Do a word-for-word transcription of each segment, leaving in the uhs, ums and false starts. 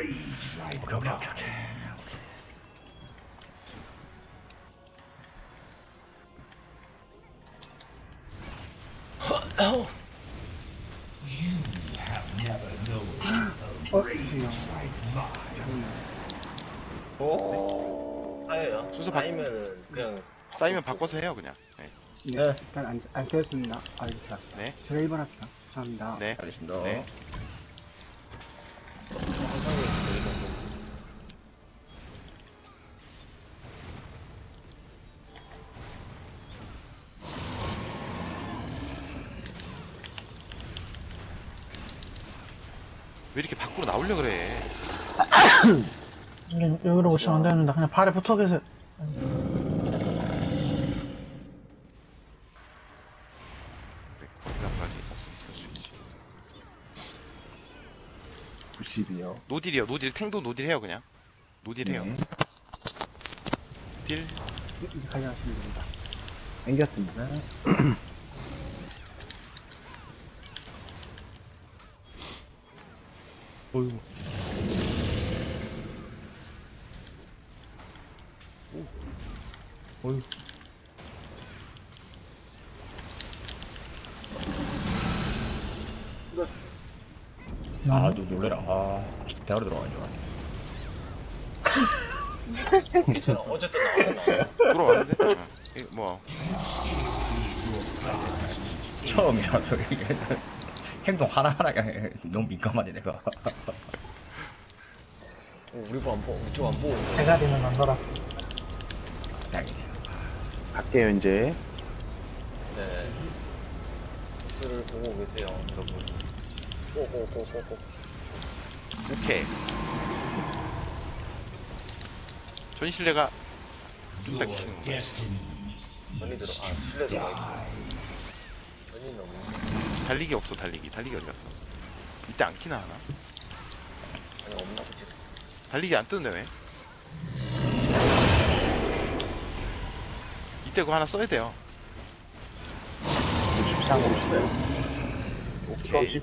오케이 오케이 오케이 오케이. 어? 오. 쌓여요. 순서 바- 쌓이면은 그냥 쌓이면 바꿔서 해요 그냥. 네. 네, 네. 일단 안, 안 쓰였습니다. 아, 이렇게 왔어. 네. 제가 일 번 할게요. 감사합니다. 네. 알겠습니다. 네. 항상 보이고. 왜 이렇게 밖으로 나오려 그래? 여기, 여기로 오시면 안 되는데 그냥 발에 붙어 계세요. 그래, 거기까지 없으면 될수 있지. 구십이요. 노딜이요. 노딜 탱도 노딜 해요 그냥. 노딜 해요. 네. 딜. 이제 가져가시면 됩니다. 땡겼습니다. 어이구. 오. 어이구. 아, 너 놀래라. 아, 대가리 들어가죠. 괜찮아. 어쨌든 나와요. 나왔어. 들어왔는데. 응. 이, 뭐 처음이라서 이게 행동 하나하나가 너무 민감하네, 내가. 어, 우리 거안 보고 우리 쪽 안 보고. 있어. 대가리는 안 돌았어. 다행이네요. 갈게요, 이제. 네. 를 보고 계세요, 여러분. 꼬꼬꼬꼬꼬. 오케이. 전신례가 좀 더 키시는 거야. 전이 들어. 아, 실내 들어가 있고. 전이 너무. 달리기 없어 달리기. 달리기 어디 갔어? 이때 안 키나 하나? 아니 없나 보지. 달리기 안 뜨는데 왜? 이때 그거 하나 써야 돼요. 이상으로 있어요. 오케이.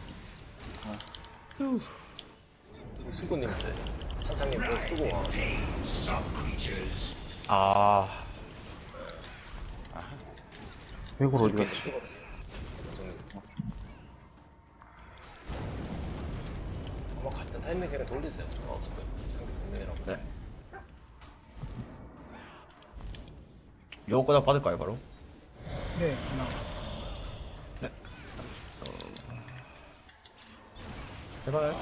지금 수구님, 한창님 뭐 쓰고 와. 아, 이걸 어디 갔어? 아마 같은 타이밍에 그냥 돌리세요. 어, 상대 분명이라고. 네. 요거 꽂아 받을까요, 바로? 네, 나. 제발.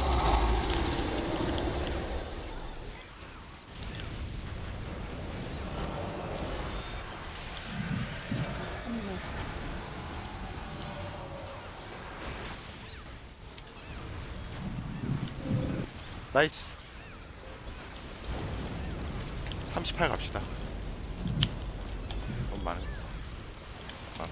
나이스. 삼십팔 갑시다. 너무 많은. 아,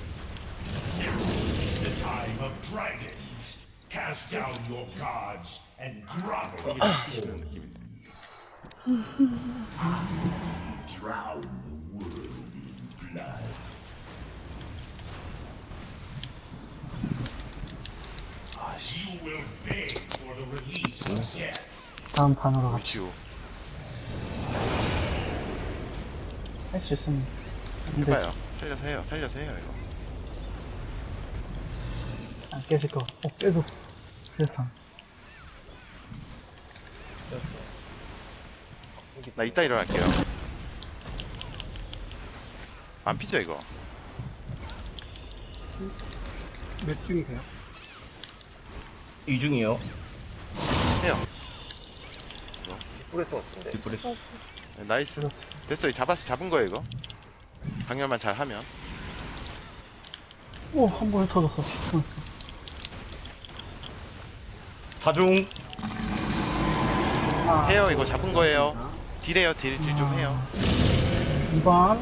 The time of dragons. Cast down your guards and grovel. 이게 키시는 느낌이. Drown the world in blood. You will beg for the release of death. 다음 판으로 갑시다. 위치우. 할 수 있습니다. 근데 해봐요. 살려서 해요. 살려서 해요 이거. 안 깨질 거. 어, 깨졌어. 세상. 됐어. 나 이따 일어날게요. 안 피죠 이거? 몇 중이세요? 이중이요. 해요. 뿌레스 같은데. 뒷부레스. 네, 나이스. 깨졌어. 됐어. 잡았어. 잡은 거예요 이거. 강렬만 잘 하면. 오, 한 번에 터졌어. 죽었어. 사중. 아, 해요 이거 잡은 거예요. 딜해요 딜 딜 좀 해요. 이 번.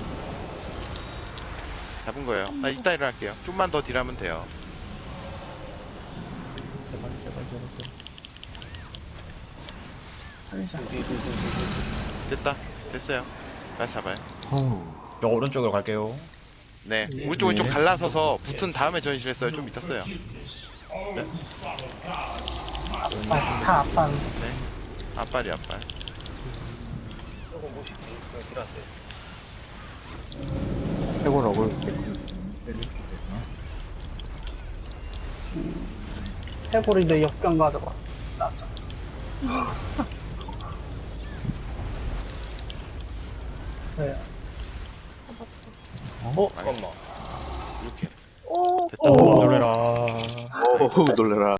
잡은 거예요. 나 이따 일어날게요. 좀만 더 딜하면 돼요. 제발, 제발, 제발, 제발. 살리자. 됐다. 됐어요. 다시 잡아요. 저 오른쪽으로 갈게요. 네. 오른쪽 왼쪽 갈라서서 붙은 다음에 전시했어요. 좀 이따 써요. Forgiveness. All who follow gods must 아, 다 아빠. 네. 앞발이 앞발. 조금 무식해. 저 길한테. 해골 어글. 해골인데 역병 가져갔어. 나자. 네. 어, 잠깐만. 이렇게. 오, 놀래라. 어우, 놀래라.